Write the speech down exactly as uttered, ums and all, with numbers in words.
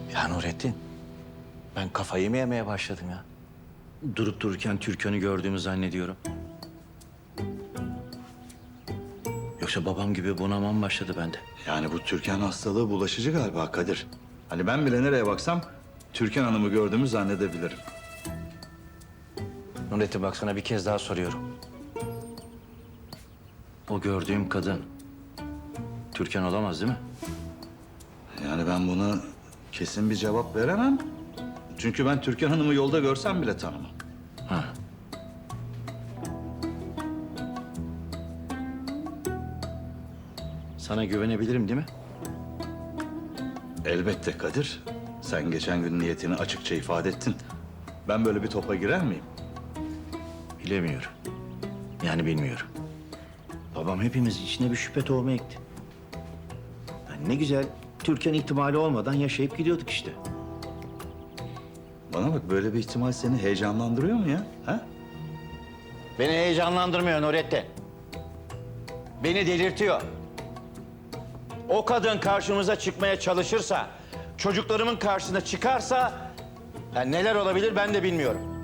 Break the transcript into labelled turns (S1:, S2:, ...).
S1: Ya Nurettin, ben kafayı mı yemeye başladım ya? Durup dururken Türkan'ı gördüğümü zannediyorum. Yoksa babam gibi bunamam başladı bende.
S2: Yani bu Türkan hastalığı bulaşıcı galiba Kadir. Hani ben bile nereye baksam Türkan Hanım'ı gördüğümü zannedebilirim.
S1: Nurettin bak sana bir kez daha soruyorum. O gördüğüm kadın Türkan olamaz değil mi?
S2: Yani ben buna kesin bir cevap veremem. Çünkü ben Türkan Hanım'ı yolda görsem bile tanımam.
S1: Ha. Sana güvenebilirim değil mi?
S2: Elbette Kadir. Sen geçen gün niyetini açıkça ifade ettin. Ben böyle bir topa girer miyim?
S1: Bilemiyorum. Yani bilmiyorum. Babam hepimiz içine bir şüphe tohumu ekti. Yani ne güzel Türkan ihtimali olmadan yaşayıp gidiyorduk işte.
S2: Bana bak, böyle bir ihtimal seni heyecanlandırıyor mu ya? Ha?
S1: Beni heyecanlandırmıyor Nurettin. Beni delirtiyor. O kadın karşımıza çıkmaya çalışırsa, çocuklarımın karşısına çıkarsa... yani neler olabilir ben de bilmiyorum.